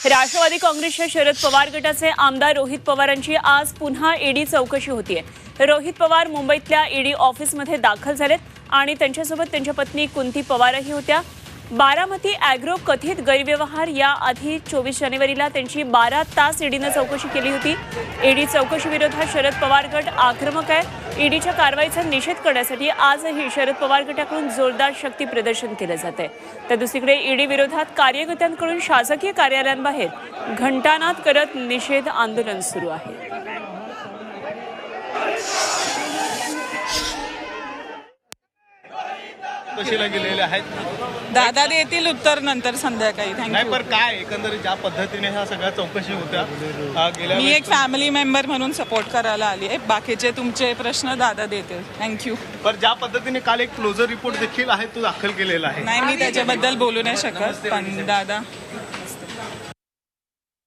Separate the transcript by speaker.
Speaker 1: राष्ट्रवादी काँग्रेसच्या शरद पवार गटाचे आमदार रोहित पवारांची आज पुन्हा ईडी चौकशी होतीये। रोहित पवार मुंबईतल्या ईडी ऑफिसमध्ये दाखल झालेत आणि त्यांच्यासोबत त्यांच्या पत्नी कुंती पवारही होत्या। बारामती अॅग्रो कथित गैरव्यवहार याआधी 24 जानेवारीला त्यांची 12 तास ईडीने चौकशी केली होती। ईडी चौकशी विरोधात शरद पवार गट आक्रमक आहे। ईडीच्या कारवाईचा निषेध करण्यासाठी आजही शरद पवार गटाकडून जोरदार शक्ती प्रदर्शन केले जाते। तर दुसरीकडे ईडी विरोधात कार्यकर्त्यांकडून शासकीय कार्यालयांबाहेर घंटानाद करत निषेध आंदोलन सुरू आहे।
Speaker 2: कशीला गेलेले आहेत
Speaker 3: दादा देतील उत्तर नंतर संध्याकाळी।
Speaker 2: नाही पण काय एकंदरीत ज्या पद्धतीने ह्या सगळ्या चौकशी होत्या गेल्या
Speaker 3: मी एक फॅमिली मेंबर म्हणून सपोर्ट करायला आली आहे। बाकीचे तुमचे प्रश्न दादा देतील। थँक्यू।
Speaker 2: पण ज्या पद्धतीने काल एक क्लोजर रिपोर्ट देखील आहे तो दाखल केलेला आहे।
Speaker 3: नाही मी त्याच्याबद्दल बोलू नाही शकत, पण दादा